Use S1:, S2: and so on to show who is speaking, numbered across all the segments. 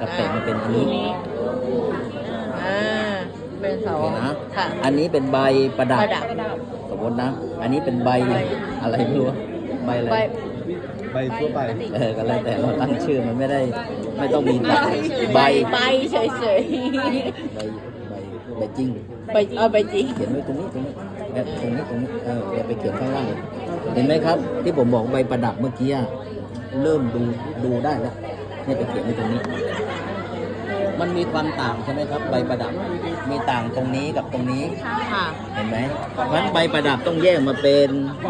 S1: กับแตกมาเป็นอันนี้
S2: อ่าเป็นเสา
S1: โอเคนะ
S2: ค่ะ
S1: อันนี้เป็นใบประดับ
S2: ประดับ
S1: สมมตินะ อันนี้เป็นใบอะไรไม่รู้ใบอะไร
S2: ใบ
S3: ใบทั่วไป
S1: ก็แล้วแต่เราตั้งชื่อมันไม่ต้องมีใบ
S2: ใบเฉย
S1: ใบใบจริง
S2: ๆใบเอาใบจริง
S1: เขียนไว้ตรงนี้ตรงนี้อย่าไปเขียนข้างล่างเห็นไหมครับ ที่ผมบอกใบประดับเมื่อกี้อะเริ่มดูได้แล้วเนี่ยไปเขียนไว้ตรงนี้ มันมีความต่างใช่ไหมครับ ใบประดับมีต่างตรงนี้กับตรงนี้
S2: ค่ะ
S1: เห็นไหมเพราะฉะนั้นใบประดับต้องแยกมาเป็น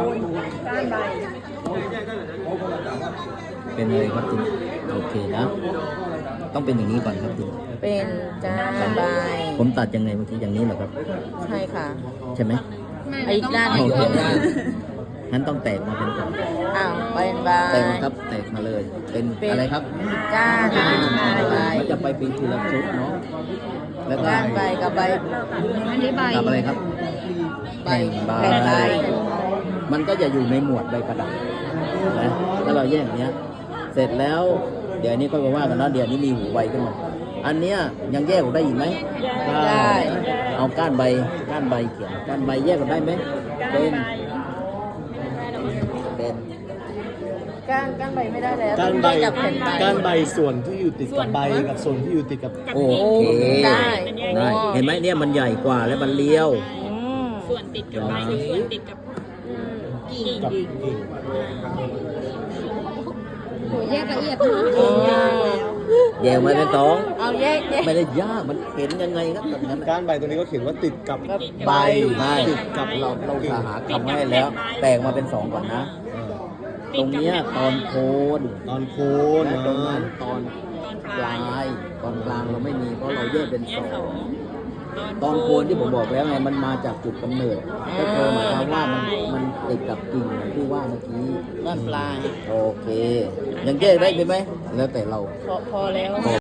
S1: อะไรครับทีนี้โอเคนะ ต้องเป็นอย่างนี้ก่อนครับทีนี้
S2: เป็นก้านใบ
S1: ผมตัดยังไงเมื่อกี้อย่างนี้เหรอครับ
S2: ใช่ค่ะ
S1: ใช่ไหม
S2: ไอ้ด้าน
S1: โอ
S2: นี้
S1: เค
S2: ก็
S1: งั้นต้องแตกมาเป็นก่อน
S2: อ้าวเป็นใบ
S1: แตกครับแตกมาเลย เป็นอะไรครับ
S2: ก้านใบ
S1: มันจะไปเป็นทีละชุดเนาะแล้วก็
S2: ก้านใบกับใบอันนี้ใบ
S1: กับอะไรครับ
S2: ใบ
S1: แผ่นใบ
S2: แผ่นใบ
S1: มันก็จะอยู่ในหมวดใบประดับนะถ้าเราแยกอย่างเนี้ย เสร็จแล้ว เดี๋ยวนี้ค่อยมาว่ากันนะเดี๋ยวนี้มีหูใบขึ้นมาอันเนี้ยยังแยกออกได้อีกไหม
S2: ได้
S1: เอาก้านใบเขียนก้านใบแยกออกได้ไหมเป็น
S2: ก้านใบไม่ได้แล้ว
S3: ก้านใบ
S2: ต้องแยกับแผ่นใบ
S3: ก้านใบส่วนที่อยู่ติดกับใบกับส่วนที่อยู่ติดกับ
S1: โอเค
S2: ได้
S1: ได้เห็นไหมเนี่ยมันใหญ่กว่าและมันเลี้ยว
S2: อืม
S4: ส่วนติดกับใบกับส่วนติดกับกิ่ง
S3: กับกิ่ง
S4: โหแยกละเอียด
S2: อ๋อ
S1: แยกมาเป็นสอง
S2: เอาแยก
S1: ไม่ได้ยากมันเห็นยังไงครับแบบนั้น
S3: ก้านใบตัวนี้ก็เขียนว่าติดกับ
S1: ใบไม่กับเราหาคำให้แล้ว แตกมาเป็นสองก่อนนะ ตรงเนี้ยตอนโคน
S3: ตอนโคน
S1: และตรงนั้นตอน
S4: ตอน
S1: ป
S4: ปลา
S1: ลาย ยตอนกลางเราไม่มีเพราะเราแยกเป็นสอง
S4: ต
S1: ต
S4: อ
S1: อน น
S4: โค
S1: โคนที่ผมบอกแล้วไงมันมาจากจุดกำเนิดก็คือหมายความว่ามันติดกับกิ่งอย่างที่ว่าเมื่อกี้
S2: ด้านปลาย
S1: โอเค ยังแยกได้ไหมแล้วแต่เรา
S2: พอแล้ว